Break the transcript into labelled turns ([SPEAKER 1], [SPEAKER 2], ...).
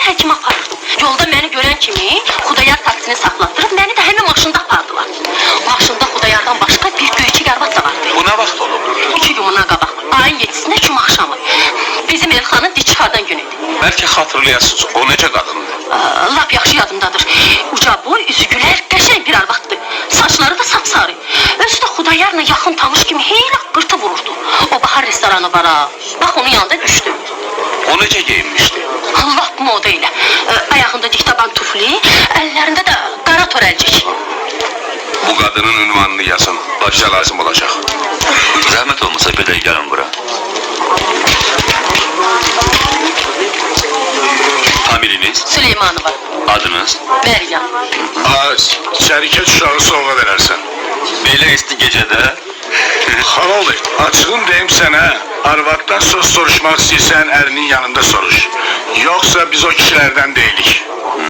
[SPEAKER 1] həkimə aparırdım. Yolda məni görən kimi Xudayar taksini saxlatdırıb məni də həmin maşında apardılar. Maşında Xudayardan başqa bir göyçək arvad da vardı.
[SPEAKER 2] Bu nə vaxt olub?
[SPEAKER 1] 2 gün bundan qabaq. Ayın 7-sində cümə axşamı. Bizim Elxanın dikhardan günü idi.
[SPEAKER 2] Bəlkə xatırlayasınız, o necə qadındır?
[SPEAKER 1] Lap yaxşı yadımdadır. Uca boy, üzü gülər, qəşəng bir arvaddır. Saçları da sapsarı. Özü də Xudayarla yaxın tanış kimi heylə qırtı vururdu. O bahar restoranı var ha. Bax onun yanında düşdü.
[SPEAKER 2] O necə geyinmişdi?
[SPEAKER 1] Lap moda ilə. Ayağında diktaban tufli, əllərində də qara törəlcik.
[SPEAKER 2] Bu qadının ünvanını yazın, başa lazım olacaq.
[SPEAKER 3] Zəhmət olmasa bir də gəlin bura. Familiniz,
[SPEAKER 1] Süleymanova.
[SPEAKER 3] adınız,
[SPEAKER 1] Məryəm.
[SPEAKER 2] Şərikət uşağı soğuğa verərsən.
[SPEAKER 3] belə isti gecədə
[SPEAKER 2] Xanol bey, açığın deyim sənə, arvaddan söz soruşmaq istəyirsən, ərinin yanında soruş. Yoxsa biz o kişilərdən deyilik.